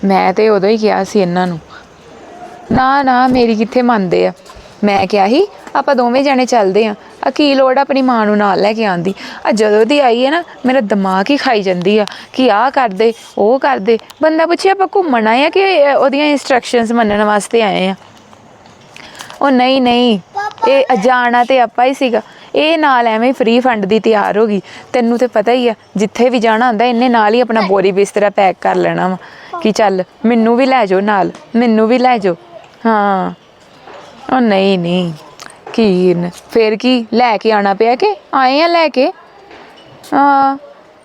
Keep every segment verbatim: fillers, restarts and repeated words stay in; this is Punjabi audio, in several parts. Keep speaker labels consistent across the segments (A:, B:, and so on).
A: मैं तो उदों ही कहा सी इन्हां नूं ना ना मेरी कित्थे मंनदे आ। मैं क्या ही आपां दोवें जने चलदे आ आ की लोड़ अपनी मां नूं नाल लैके आंदी आ जदों दी आई है ना मेरा दिमाग ही खाई जांदी आ कि आ कर दे ओ कर दे। बंदा पुछे आपां घूमण आए आ कि ओहदियां इंस्ट्रक्शनस मनण वास्ते आए आ। ओ नहीं नहीं ये जाना तो आपां ही सीगा ਇਹ ਨਾਲ ਐਵੇਂ ਫ੍ਰੀ ਫੰਡ ਦੀ ਤਿਆਰ ਹੋ ਗਈ। ਤੈਨੂੰ ਤੇ ਪਤਾ ਹੀ ਆ ਜਿੱਥੇ ਵੀ ਜਾਣਾ ਹੁੰਦਾ ਇਹਨੇ ਨਾਲ ਹੀ ਆਪਣਾ ਬੋਰੀ ਬਿਸਤਰਾ ਪੈਕ ਕਰ ਲੈਣਾ ਵਾ ਕਿ ਚੱਲ ਮੈਨੂੰ ਵੀ ਲੈ ਜਾਓ ਨਾਲ ਮੈਨੂੰ ਵੀ ਲੈ ਜਾਓ। ਹਾਂ ਉਹ ਨਹੀਂ ਨਹੀਂ ਕੀ ਫਿਰ ਕੀ ਲੈ ਕੇ ਆਣਾ ਪਿਆ ਕਿ ਆਏ ਆ ਲੈ ਕੇ। ਹਾਂ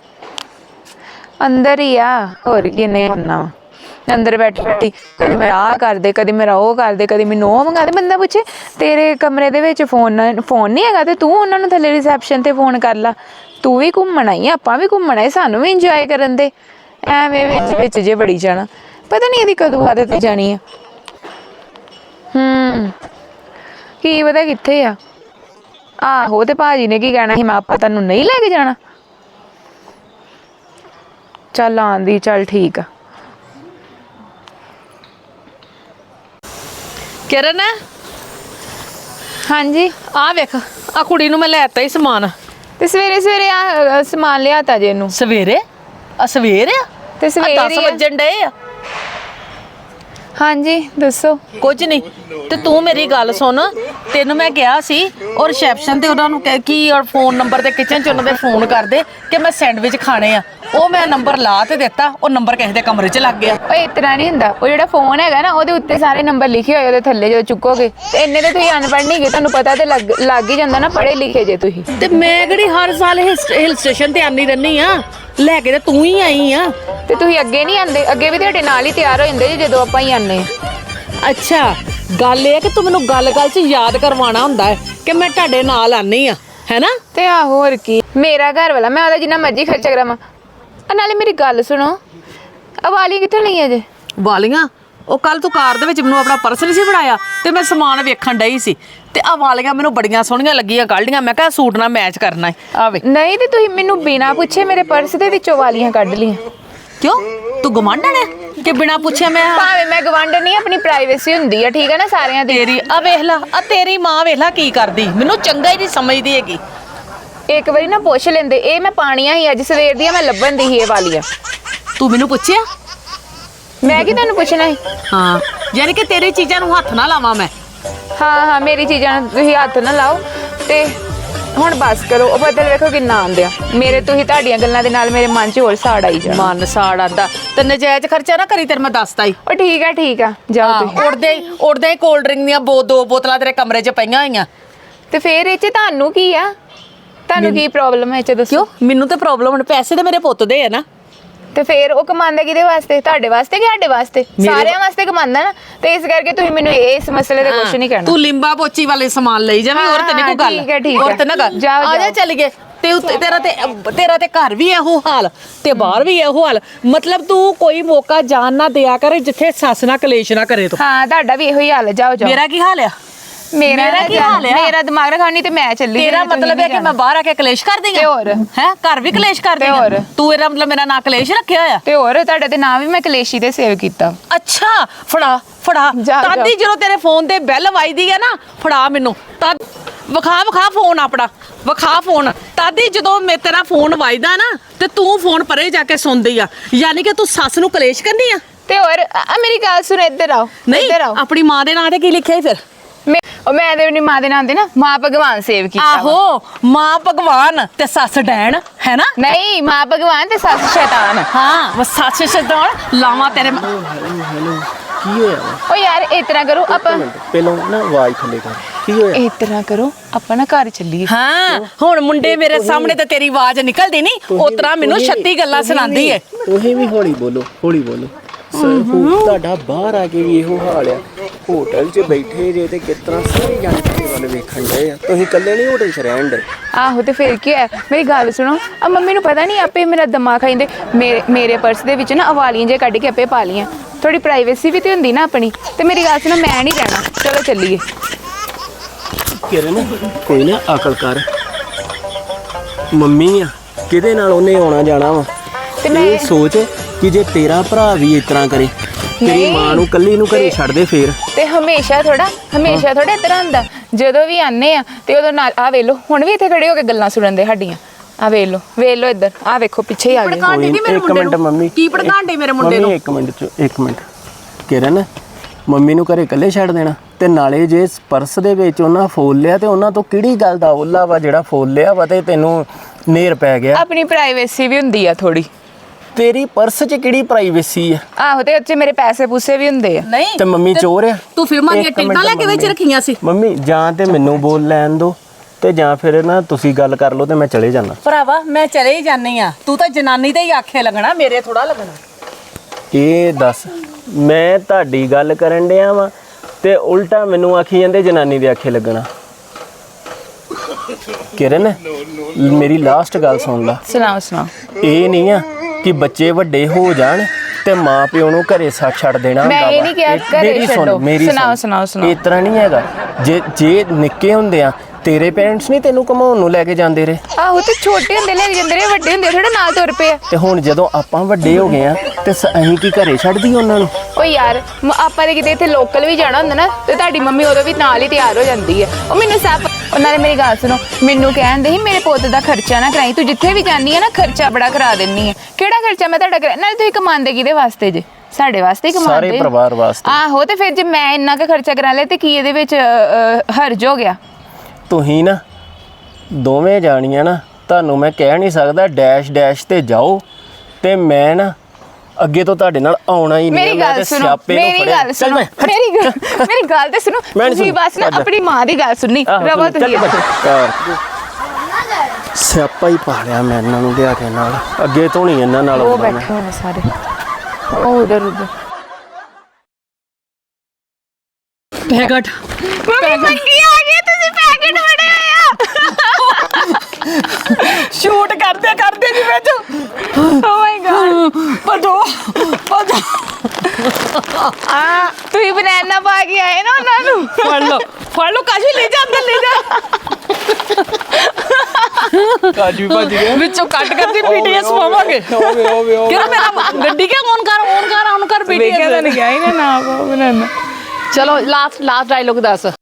A: ਅੰਦਰ ਹੀ ਆ ਹੋਰ ਕੀ ਨਹੀਂ ਕਰਨਾ ਵਾ अंदर बैठी बैठी कभी मेरा आ कर दे कभी मेरा वो कर दे कभी मैनू वो मंगा दे। बंदा पूछे तेरे कमरे दे विच फोन फोन नहीं हैगा ते तू उन्हां नूं थल्ले रिसैप्शन ते फोन कर ला। तू भी घूमण आई आपां भी घूमण आए सानू भी इंजॉय करन दे। एवें विच विच जे बड़ी जाना पता नहीं इहदी कदों आदत जानी है। हम्म की पता कित्थे आ आहो ते भाजी ने की कहना ही मैं आपां तैनूं नहीं लैके जाना। चल आंदी चल ठीक आ।
B: किरण
A: हाँ जी
B: आ वेख आ कुड़ी नूं मैं लैता ही समान
A: ते सवेरे सवेरे आ समान लियाता जे नूं
B: सवेरे आ सवेरे
A: ते सवेरे
B: दस वजन डे आ।
A: हाँ जी दसो
B: कुछ नहीं ते तू मेरी गल सुन तेनू मैं कहा सी और रिसैप्शन ते उन्हां नूं की और फोन नंबर ते किचन च उन्हां दे फोन कर दे कि मैं सैंडविच खाने आ। ਉਹ ਮੈਂ ਨੰਬਰ ਲਾ ਤੇ ਦਿੱਤਾ ਉਹ ਨੰਬਰ ਕਿਸੇ ਦੇ ਕਮਰੇ 'ਚ ਲੱਗ ਗਿਆ।
A: ਓਏ ਇਤਨਾ ਨਹੀਂ ਹੁੰਦਾ ਉਹ ਜਿਹੜਾ ਫੋਨ ਹੈਗਾ ਨਾ ਉਹਦੇ ਉੱਤੇ ਸਾਰੇ ਨੰਬਰ ਲਿਖੇ ਹੋਏ ਉਹਦੇ ਥੱਲੇ ਜੋ ਚੁੱਕੋਗੇ ਤੇ ਇੰਨੇ ਤੇ ਤੁਸੀਂ ਅਨਪੜ੍ਹ ਨਹੀਂ ਗਏ ਤੁਹਾਨੂੰ ਪਤਾ ਤੇ ਲੱਗ ਲੱਗ ਹੀ ਜਾਂਦਾ ਨਾ ਪੜ੍ਹੇ ਲਿਖੇ ਜੇ ਤੁਸੀਂ।
B: ਤੇ ਮੈਂ ਕਿਹੜੀ ਹਰ ਸਾਲ ਹਿਲ ਸਟੇਸ਼ਨ ਤੇ ਆਨੀ ਰਹਿੰਦੀ ਆ ਲੈ ਕੇ ਤੇ ਤੂੰ ਹੀ ਆਈ ਆ
A: ਤੇ ਤੁਸੀਂ ਅੱਗੇ ਨਹੀਂ ਆਂਦੇ ਅੱਗੇ ਵੀ ਤੁਹਾਡੇ ਨਾਲ ਹੀ ਤਿਆਰ ਹੋ ਜਾਂਦੇ ਜੇ ਜਦੋਂ ਆਪਾਂ ਹੀ ਆਨੇ।
B: ਅੱਛਾ ਗੱਲ ਇਹ ਕਿ ਤੂੰ ਮੈਨੂੰ ਗੱਲ ਗੱਲ 'ਚ ਯਾਦ ਕਰਵਾਉਣਾ ਹੁੰਦਾ ਹੈ ਕਿ ਮੈਂ ਤੁਹਾਡੇ ਨਾਲ ਆਨੀ ਆ ਹੈ ਨਾ।
A: ਤੇ ਆ ਹੋਰ ਕੀ ਮੇਰਾ ਘਰ ਵਾਲਾ ਮੈਂ ਉਹਦਾ ਜਿੰਨਾ ਮਰਜ਼ੀ ਖਰਚਾ ਕਰਾਵਾਂ। ਨਾਲੇ ਮੇਰੀ ਗੱਲ ਸੁਣੋ ਆ ਵਾਲੀਆਂ ਕਿੱਥੋਂ ਲਈਆਂ ਜੇ?
B: ਵਾਲੀਆਂ ਉਹ ਕੱਲ ਤੂੰ ਕਾਰ ਦੇ ਵਿੱਚ ਮੈਨੂੰ ਆਪਣਾ ਪਰਸ ਨਹੀਂ ਸੀ ਫੜਾਇਆ ਤੇ ਮੈਂ ਸਮਾਨ ਵੇਖਣ ਡਈ ਸੀ ਤੇ ਆ ਵਾਲੀਆਂ ਮੈਨੂੰ ਬੜੀਆਂ ਸੋਹਣੀਆਂ ਲੱਗੀਆਂ ਕੱਢੀਆਂ ਮੈਂ ਕਿਹਾ ਸੂਟ ਨਾਲ ਮੈਚ ਕਰਨਾ ਹੈ ਆਵੇ।
A: ਨਹੀਂ ਤੇ ਤੁਸੀਂ ਮੈਨੂੰ ਬਿਨਾਂ ਪੁੱਛੇ ਮੇਰੇ ਪਰਸ ਦੇ ਵਿੱਚੋਂ ਵਾਲੀਆਂ ਕੱਢ ਲੀਆਂ
B: ਕਿਉਂ ਤੂੰ ਗਵਾਂਢਣ ਹੈ ਕਿ ਬਿਨਾਂ ਪੁੱਛੇ ਮੈਂ
A: ਭਾਵੇਂ ਮੈਂ ਗਵਾਂਢ ਨਹੀਂ ਆਪਣੀ ਪ੍ਰਾਈਵੇਸੀ ਹੁੰਦੀ ਆ ਠੀਕ ਹੈ ਨਾ ਸਾਰਿਆਂ ਦੀ।
B: ਤੇਰੀ ਆ ਵੇਖ ਲਾ ਆ ਤੇਰੀ ਮਾਂ ਵੇਖ ਲਾ ਕੀ ਕਰਦੀ ਮੈਨੂੰ ਚੰਗਾ ਹੀ ਨਹੀਂ ਸਮਝਦੀ ਹੈਗੀ।
A: ਇੱਕ ਵਾਰੀ ਨਾ ਪੁੱਛ ਲੈਂਦੇ ਇਹ ਮੈਂ ਪਾਣੀਆਂ ਹੀ ਅੱਜ ਸਵੇਰ ਦੀਆਂ ਮੈਂ ਲੱਭਣ ਦੀ ਸੀ ਇਹ ਵਾਲੀਆਂ।
B: ਤੂੰ ਮੈਨੂੰ ਪੁੱਛਿਆ
A: ਮੈਂ ਕੀ ਤੁਹਾਨੂੰ ਪੁੱਛਣਾ ਸੀ?
B: ਹਾਂ ਯਾਨੀ ਕਿ ਤੇਰੀ ਚੀਜ਼ਾਂ ਨੂੰ ਹੱਥ ਨਾ ਲਾਵਾਂ ਮੈਂ।
A: ਹਾਂ ਹਾਂ ਮੇਰੀ ਚੀਜ਼ਾਂ ਨੂੰ ਤੁਸੀਂ ਹੱਥ ਨਾ ਲਾਓ ਤੇ ਹੁਣ ਬਸ ਕਰੋ। ਉਹ ਬਦਲ ਵੇਖੋ ਕਿੰਨਾ ਆਉਂਦੇ ਆ ਮੇਰੇ ਤੁਸੀਂ ਤੁਹਾਡੀਆਂ ਗੱਲਾਂ ਦੇ ਨਾਲ ਮੇਰੇ ਮਨ 'ਚ ਹੋਰ ਸਾੜ ਆਈ ਜਾ।
B: ਮਨ ਸਾੜ ਆਂਦਾ ਤੇ ਨਜਾਇਜ਼ ਖਰਚਾ ਨਾ ਕਰੀ ਤੇਰੇ ਮੈਂ ਦੱਸਤਾ ਹੀ।
A: ਉਹ ਠੀਕ ਆ ਠੀਕ ਆ ਜਾਓ ਤੁਸੀਂ।
B: ਉੜਦੇ ਉੜਦੇ ਕੋਲਡ ਡਰਿੰਕ ਦੀਆਂ ਬੋ ਦੋ ਬੋਤਲਾਂ ਤੇਰੇ ਕਮਰੇ 'ਚ ਪਈਆਂ ਹੋਈਆਂ
A: ਤੇ ਫੇਰ ਇਹ 'ਚ ਤੁਹਾਨੂੰ ਕੀ ਆ ਤੁਹਾਨੂੰ ਕੀ ਪ੍ਰੋਬਲਮ ਹੈ ਇਹ 'ਚ ਦੱਸੋ?
B: ਕਿਉਂ ਮੈਨੂੰ ਤੇ ਪ੍ਰੋਬਲਮ ਹੁਣ ਪੈਸੇ ਤੇ ਮੇਰੇ ਪੁੱਤ ਦੇ ਆ ਨਾ
A: ਤੇ ਫੇਰ ਉਹ ਕਮਾਉਂਦਾ ਕਿਹਦੇ ਵਾਸਤੇ ਤੁਹਾਡੇ ਵਾਸਤੇ ਕਿ ਸਾਡੇ ਵਾਸਤੇ? ਸਾਰਿਆਂ ਵਾਸਤੇ ਕਮਾਉਂਦਾ ਨਾ ਤੇ ਇਸ ਕਰਕੇ ਤੁਸੀਂ ਮੈਨੂੰ ਇਸ ਮਸਲੇ ਤੇ ਕੁਝ ਨਹੀਂ ਕਹਿਣਾ।
B: ਤੂੰ ਲਿੰਬਾ ਪੋਚੀ ਵਾਲੇ ਸਮਾਨ ਲਈ ਜਾਵੇਂ ਹੋਰ ਤੇ ਨਹੀਂ ਕੋਈ ਗੱਲ।
A: ਠੀਕ ਹੈ ਠੀਕ ਹੈ
B: ਹੋਰ ਤੇ ਨਾ ਗੱਲ
A: ਜਾਓ
B: ਆ ਜਾ ਚੱਲ ਗਏ ਤੇ ਤੇਰਾ ਤੇ ਤੇਰਾ ਤੇ ਘਰ ਵੀ ਇਹੋ ਹਾਲ ਤੇ ਬਾਹਰ ਵੀ ਇਹੋ ਹਾਲ ਮਤਲਬ ਤੂੰ ਕੋਈ ਮੌਕਾ ਜਾਣ ਨਾ ਦਿਆ ਕਰ ਜਿੱਥੇ ਸੱਸ ਨਾ ਕਲੇਸ਼ ਨਾ ਕਰੇ ਤੂੰ।
A: ਹਾਂ ਤੁਹਾਡਾ ਵੀ ਇਹੋ ਹੀ ਹਾਲ ਹੈ ਜਾਓ ਜਾਓ।
B: ਮੇਰਾ ਕੀ ਹਾਲ ਆ?
A: ਮੇਰਾ ਕੀ ਹਾਲ ਹੈ? ਮੇਰਾ ਦਿਮਾਗ ਰਖਾਉਣੀ ਤੇ ਮੈਂ ਚੱਲੀ।
B: ਤੇਰਾ ਮਤਲਬ ਹੈ ਕਿ ਮੈਂ ਬਾਹਰ ਆ ਕੇ ਕਲੇਸ਼ ਕਰਦੀ ਆ?
A: ਤੇ ਹੋਰ
B: ਹੈ ਘਰ ਵੀ ਕਲੇਸ਼ ਕਰਦੀ ਆ?
A: ਹੋਰ
B: ਤੂੰ ਇਹਦਾ ਮਤਲਬ ਮੇਰਾ ਨਾਂ ਕਲੇਸ਼ ਰੱਖਿਆ ਹੋਇਆ?
A: ਤੇ ਹੋਰ ਤੁਹਾਡੇ ਤੇ ਨਾਂ ਵੀ ਮੈਂ ਕਲੇਸ਼ੀ ਤੇ ਸੇਵ ਕੀਤਾ।
B: ਅੱਛਾ ਫੜਾ ਫੜਾ ਤਾਦੀ ਜਦੋਂ ਤੇਰੇ ਫੋਨ ਤੇ ਬੈਲ ਵੱਜਦੀ ਹੈ ਨਾ ਫੜਾ ਮੈਨੂੰ ਤਦ ਵਿਖਾ ਵਿਖਾ ਫੋਨ ਆਪਣਾ ਵਿਖਾ ਫੋਨ ਤਾਦੀ ਜਦੋਂ ਮੈਂ ਤੇਰਾ ਫੋਨ ਵੱਜਦਾ ਨਾ ਤੇ ਤੂੰ ਫੋਨ ਪਰੇ ਜਾ ਕੇ ਸੁਣਦੀ ਆ ਯਾਨੀ ਕਿ ਤੂੰ ਸੱਸ ਨੂੰ ਕਲੇਸ਼ ਕਰਨੀ ਆ।
A: ਤੇ ਹੋਰ ਆ ਮੇਰੀ ਗੱਲ ਸੁਣ ਇੱਧਰ ਆਓ ਇੱਧਰ ਆਓ।
B: ਆਪਣੀ ਮਾਂ ਦੇ ਨਾਂ ਤੇ ਕੀ ਲਿਖਿਆ ਫਿਰ?
A: ਮੈਂ ਉਹ ਮੈਂ ਤੇ ਆਪਣੀ ਮਾਂ ਦੇ ਨਾਂ ਤੇ ਨਾ ਮਾਂ ਭਗਵਾਨ ਸੇਵ ਕੀਤਾ।
B: ਆਹੋ ਮਾਂ ਭਗਵਾਨ ਤੇ ਸੱਸ ਡੈਣ ਹੈ ਨਾ?
A: ਨਹੀਂ ਮਾਂ ਭਗਵਾਨ ਤੇ ਸੱਸ ਸ਼ੈਤਾਨ।
B: ਹਾਂ ਸੱਸ ਸ਼ੈਤਾਨ ਲਾਵਾਂ ਤੇਰੇ
C: ਕੀ ਹੋਇਆ?
A: ਓ ਯਾਰ ਇਸ ਤਰ੍ਹਾਂ ਕਰੋ ਆਪਾਂ
C: ਪਹਿਲਾਂ ਨਾ ਆਵਾਜ਼ ਥੱਲੇ ਕਰ ਕੀ ਹੋਇਆ?
A: ਇਸ ਤਰ੍ਹਾਂ ਕਰੋ ਆਪਾਂ ਨਾ ਘਰ ਚੱਲੀਏ।
B: ਹਾਂ ਹੁਣ ਮੁੰਡੇ ਮੇਰੇ ਸਾਹਮਣੇ ਤੇ ਤੇਰੀ ਆਵਾਜ਼ ਨਿਕਲਦੀ ਨਹੀਂ ਉਸ ਤਰ੍ਹਾਂ ਮੈਨੂੰ ਛੱਤੀ ਗੱਲਾਂ ਸੁਣਾਉਂਦੀ ਏ।
C: ਤੁਸੀਂ ਵੀ ਹੌਲੀ ਬੋਲੋ ਹੌਲੀ ਬੋਲੋ। ਤੁਹਾਡਾ ਬਾਹਰ ਆ ਕੇ ਵੀ ਇਹੋ ਹਾਲ ਆ ਹੋਟਲ 'ਚ ਬੈਠੇ ਜੇ ਤੇ ਕਿਸ ਤਰ੍ਹਾਂ ਸਾਰੇ ਜਾਣੇ ਵੱਲ ਵੇਖਣ ਡਏ ਆ ਤੁਸੀਂ ਇਕੱਲੇ ਨਹੀਂ ਹੋਟਲ 'ਚ ਰਹਿਣ ਦੇ।
A: ਆਹੋ ਤੇ ਫਿਰ ਕੀ ਹੈ ਮੇਰੀ ਗੱਲ ਸੁਣੋ ਆ ਮੰਮੀ ਨੂੰ ਪਤਾ ਨਹੀਂ ਆਪੇ ਮੇਰਾ ਦਿਮਾਗ ਖਾਈਂਦੇ ਮੇਰੇ ਮੇਰੇ ਪਰਸ ਦੇ ਵਿੱਚ ਨਾ ਅਵਾਲੀਆਂ ਜੇ ਕੱਢ ਕੇ ਆਪੇ ਪਾ ਲੀਆਂ ਥੋੜੀ ਪ੍ਰਾਈਵੇਸੀ ਵੀ ਤੇ ਹੁੰਦੀ ਨਾ ਆਪਣੀ। ਤੇ ਮੇਰੀ ਗੱਲ ਸੁਣੋ ਮੈਂ ਨਹੀਂ ਰਹਿਣਾ ਚਲੋ ਚੱਲੀਏ।
C: ਕਿਰਨ ਕੋਈ ਨਾ ਅਕਲ ਕਰ ਮੰਮੀ ਆ ਕਿਹਦੇ ਨਾਲ ਉਹਨੇ ਆਉਣਾ ਜਾਣਾ ਵਾ ਤੇ ਮੈਂ ਸੋਚ ਕਿ ਜੇ ਤੇਰਾ ਭਰਾ ਵੀ ਇਸ ਤਰ੍ਹਾਂ ਕਰੇ ਤੇਰੀ
A: ਨਹੀਂ।
C: ਮਾਂ ਨੂੰ ਕੱਲੀ ਨੂੰ ਘਰੇ ਛੱਡ ਦੇ ਫੇਰ।
A: ਤੇ ਹਮੇਸ਼ਾ ਥੋੜਾ ਹਮੇਸ਼ਾ ਥੋੜਾ ਇਸ ਤਰ੍ਹਾਂ ਹੁੰਦਾ, ਜਦੋਂ ਵੀ ਆਨੇ ਆ ਤੇ ਉਦੋਂ ਨਾਲ ਆ ਵੇਖ ਲਓ, ਹੁਣ ਵੀ ਇੱਥੇ ਖੜੇ ਹੋ ਕੇ ਗੱਲਾਂ ਸੁਣਨ ਦੇ ਸਾਡੀਆਂ। ਆ ਵੇਖ ਲਓ ਵੇਖ ਲਓ ਇੱਧਰ, ਆ ਵੇਖੋ ਪਿੱਛੇ ਹੀ ਆ ਗਏ।
B: ਭੜਕਾਉਂਦੀ ਨੀ ਮੇਰੇ
C: ਇੱਕ
B: ਮੁੰਡੇ
C: ਮਿੰਟ ਮੰਮੀ,
B: ਨੂੰ ਕੀ ਭੜਕਾਉਂਦੇ ਮੇਰੇ ਮੁੰਡੇ
C: ਮੰਮੀ
B: ਨੂੰ?
C: ਇੱਕ ਮਿੰਟ ਚ ਇੱਕ ਮਿੰਟ। ਕਿਰਨ, ਮੰਮੀ ਨੂੰ ਘਰੇ ਇਕੱਲੇ ਛੱਡ ਦੇਣਾ? ਤੇ ਨਾਲੇ ਜੇ ਪਰਸ ਦੇ ਵਿੱਚ ਉਹਨਾਂ ਫੋਨ ਲਿਆ ਤੇ ਉਹਨਾਂ ਤੋਂ ਕਿਹੜੀ ਗੱਲ ਦਾ ਓਲਾ ਵਾ ਜਿਹੜਾ ਫੋਨ ਲਿਆ ਵਾ ਤੇ ਤੈਨੂੰ ਨੇਰ ਪੈ ਗਿਆ?
A: ਆਪਣੀ ਪ੍ਰਾਈਵੇਸੀ ਵੀ ਹੁੰਦੀ ਆ ਥੋੜੀ।
C: ਤੇਰੀ ਪਰਸ 'ਚ ਕਿਹੜੀ ਪ੍ਰਾਈਵੇਸੀ ਆ?
A: ਆਹੋ, ਤੇ ਉੱਚ ਮੇਰੇ ਪੈਸੇ ਪੂਸੇ ਵੀ ਹੁੰਦੇ ਆ।
B: ਨਹੀਂ
C: ਤੇ ਮੰਮੀ ਚੋਰ ਆ?
B: ਤੂੰ ਫਿਲਮਾਂ ਦੀਆਂ
C: ਇੱਕ
B: ਟਿਕਟਾਂ ਲੈ ਕੇ ਵਿੱਚ
C: ਮੰਮੀ।
B: ਰੱਖੀਆਂ ਸੀ।
C: ਮੰਮੀ ਜਾਂ ਤੇ ਮੈਨੂੰ ਬੋਲ ਲੈਣ ਦੋ ਤੇ ਜਾਂ ਫਿਰ ਨਾ ਤੁਸੀਂ ਗੱਲ ਕਰ ਲਓ ਤੇ ਮੈਂ ਚਲੇ ਜਾਣਾ।
B: ਭਰਾਵਾ ਮੈਂ ਚਲੇ ਹੀ ਜਾਨੀ ਆ, ਤੂੰ ਤਾਂ ਜਨਾਨੀ ਤੇ ਹੀ ਆਖੇ ਲੱਗਣਾ, ਮੇਰੇ ਥੋੜਾ ਲੱਗਣਾ।
C: ਇਹ ਦੱਸ, ਮੈਂ ਤੁਹਾਡੀ ਗੱਲ ਕਰਨ ਡਿਆ ਵਾਂ ਤੇ ਉਲਟਾ ਮੈਨੂੰ ਆਖੀ ਜਾਂਦੇ ਜਨਾਨੀ ਦੇ ਆਖੇ ਲੱਗਣਾ। ਕਿਰਨ, ਮੇਰੀ ਲਾਸਟ ਗੱਲ ਸੁਣ ਲਾ।
A: ਸੁਣਾਓ ਸੁਣਾਓ।
C: ਇਹ ਨਹੀਂ ਆ ਕਿ ਬੱਚੇ ਵੱਡੇ ਹੋ ਜਾਣ ਤੇ ਮਾਂ ਪਿਓ ਨੂੰ ਘਰੇ ਸਾ ਛੱਡ ਦੇਣਾ
A: ਮੈਂ
C: ਹੁੰਦਾ
A: ਇਹ
C: ਵਾ।
A: ਨਹੀਂ ਕਿਹਾ
C: ਇਹ-
A: ਘਰੇ
C: ਮੇਰੀ ਸੁਣ,
A: ਛੱਡੋ।
C: ਮੇਰੀ
A: ਸੁਣਾਓ,
C: ਸੁਣ।
A: ਸੁਣਾਓ, ਸੁਣਾਓ।
C: ਇਸ ਤਰ੍ਹਾਂ ਨਹੀਂ ਹੈਗਾ। ਜੇ ਜੇ ਨਿੱਕੇ ਹੁੰਦੇ ਆ ਤੇਰੇ ਪੇਰੈਂਟਸ ਨਹੀਂ ਤੈਨੂੰ ਘਮਾਉਣ ਨੂੰ ਲੈ ਕੇ ਜਾਂਦੇ ਰਹੇ?
A: ਆਹੋ, ਤੇ ਛੋਟੇ ਹੁੰਦੇ ਲੈ ਕੇ ਜਾਂਦੇ ਰਹੇ, ਵੱਡੇ ਹੁੰਦੇ ਥੋੜਾ ਨਾਲ ਤੁਰ ਪਏ ਆ।
C: ਤੇ ਹੁਣ ਜਦੋਂ ਆਪਾਂ ਵੱਡੇ ਹੋ ਗਏ ਆ ਤੇ ਸ- ਅਸੀਂ ਕੀ ਘਰੇ ਛੱਡਦੀ ਉਹਨਾਂ ਨੂੰ?
A: ਓ ਯਾਰ, ਮ- ਆਪਾਂ ਦੇ ਕਿਤੇ ਇੱਥੇ ਲੋਕਲ ਵੀ ਜਾਣਾ ਹੁੰਦਾ ਨਾ, ਤੇ ਤੁਹਾਡੀ ਮੰਮੀ ਉਦੋਂ ਵੀ ਨਾਲ ਹੀ ਤਿਆਰ ਹੋ ਜਾਂਦੀ ਹੈ। ਉਹ ਮੈਨੂੰ ਸਭ, ਉਹਨਾਂ ਨੇ ਮੇਰੀ ਗੱਲ ਸੁਣੋ, ਮੈਨੂੰ ਕਹਿੰਦੇ ਸੀ ਮੇਰੇ ਪੁੱਤ ਦਾ ਖਰਚਾ ਨਾ ਕਰਾਈ, ਤੂੰ ਜਿੱਥੇ ਵੀ ਜਾਂਦੀ ਹੈ ਨਾ ਖਰਚਾ ਬੜਾ ਕਰਾ ਦਿੰਨੀ ਹੈ। ਕਿਹੜਾ ਖਰਚਾ ਮੈਂ ਤੁਹਾਡਾ ਕਰਾ? ਨਾਲੇ ਤੁਸੀਂ ਕਮਾਉਂਦੇ ਕਿਹਦੇ ਵਾਸਤੇ ਜੇ? ਸਾਡੇ ਵਾਸਤੇ ਹੀ ਕਮਾਉਂਦੇ।
C: ਸਾਰੇ ਪਰਿਵਾਰ ਵਾਸਤੇ।
A: ਆਹੋ, ਤੇ ਫਿਰ ਜੇ ਮੈਂ ਇੰਨਾ ਕੁ ਖਰਚਾ ਕਰਾ ਲਿਆ ਤੇ ਕੀ ਇਹਦੇ ਵਿੱਚ ਅ, ਅ, ਹਰਜ ਹੋ ਗਿਆ?
C: ਤੁਸੀਂ ਨਾ ਦੋਵੇਂ ਜਾਣੀਆਂ ਨਾ, ਤੁਹਾਨੂੰ ਮੈਂ ਕਹਿ ਨਹੀਂ ਸਕਦਾ ਡੈਸ਼ ਡੈਸ਼ ਤੇ ਜਾਓ ਤੇ ਮੈਂ ਨਾ ਅੱਗੇ ਤੋਂ ਤੁਹਾਡੇ ਨਾਲ ਆਉਣਾ ਹੀ ਨਹੀਂ।
A: ਮੇਰੀ ਗੱਲ ਸੁਣੋ, ਮੇਰੀ ਗੱਲ ਸੁਣੋ, ਮੇਰੀ ਗੱਲ ਮੇਰੀ ਗੱਲ ਤੇ ਸੁਣੋ।
C: ਮੈਂ ਨੀ
A: ਤੁਸੀਂ
C: ਸੁਣਨੀ।
A: ਬਸ ਨਾ
C: ਅੱਛਾ।
A: ਆਪਣੀ ਮਾਂ ਦੀ ਗੱਲ ਸੁਣਨੀ ਰਵਾ ਤੁਸੀਂ।
C: ਸਿਆਪਾ ਹੀ ਪਾ ਲਿਆ ਮੈਂ ਇਹਨਾਂ ਨੂੰ ਲਿਆ ਕੇ ਨਾਲ। ਅੱਗੇ ਤੋਂ ਨਹੀਂ ਇਹਨਾਂ ਨਾਲ
A: ਉਹ
C: ਆਉਂਦਾ ਮੈਂ।
A: ਬੈਠੇ ਹੋਣੇ ਸਾਰੇ, ਉਹ ਉਧਰ ਉਧਰ।
B: ਪੈਕਟ
A: ਮੰਮੀ ਮੰਗੀ ਆ ਗਈ, ਤੁਸੀਂ ਪੈਕੇਟ ਫੜੇ ਹੋਏ ਆ।
B: ਸ਼ੂਟ ਕਰਦੇ ਕਰਦੇ ਜੀ ਵਿੱਚ।
A: ਓ ਮਾਈ ਗॉड,
B: ਭਜੋ ਭਜੋ।
A: ਆ ਤੁਸੀਂ ਬਨਾਨਾ ਪਾ ਕੇ ਆਏ ਨਾ ਉਹਨਾਂ ਨੂੰ।
B: ਫੜ ਲਓ ਫੜ ਲਓ, ਕਾਸ਼ੀ ਲੈ ਜਾ ਅੰਦਰ ਲੈ ਜਾ।
C: ਕਾਜੂ ਭੱਜ ਗਿਆ
B: ਵਿੱਚੋਂ ਕੱਟ ਕਰਕੇ ਪੀਟੀਐਸ ਪਾਵਾਂਗੇ।
C: ਓਵੇ ਓਵੇ ਓਵੇ।
B: ਕਿਹੜਾ ਮੇਰਾ ਗੱਡੀ ਕਿਉਂ ਔਨ ਕਰ ਔਨ ਕਰ ਔਨ ਕਰ
A: ਵੇਖਿਆ ਤਾਂ
B: ਪੀਟੀਐਸ।
A: ਨਹੀਂ ਗਿਆ ਹੀ ਨਾ ਨਾ ਪਾਓ ਬਨਾਨਾ।
B: ਚਲੋ ਲਾਸਟ ਲਾਸਟ ਡਾਇਲੋਗ ਦੱਸ।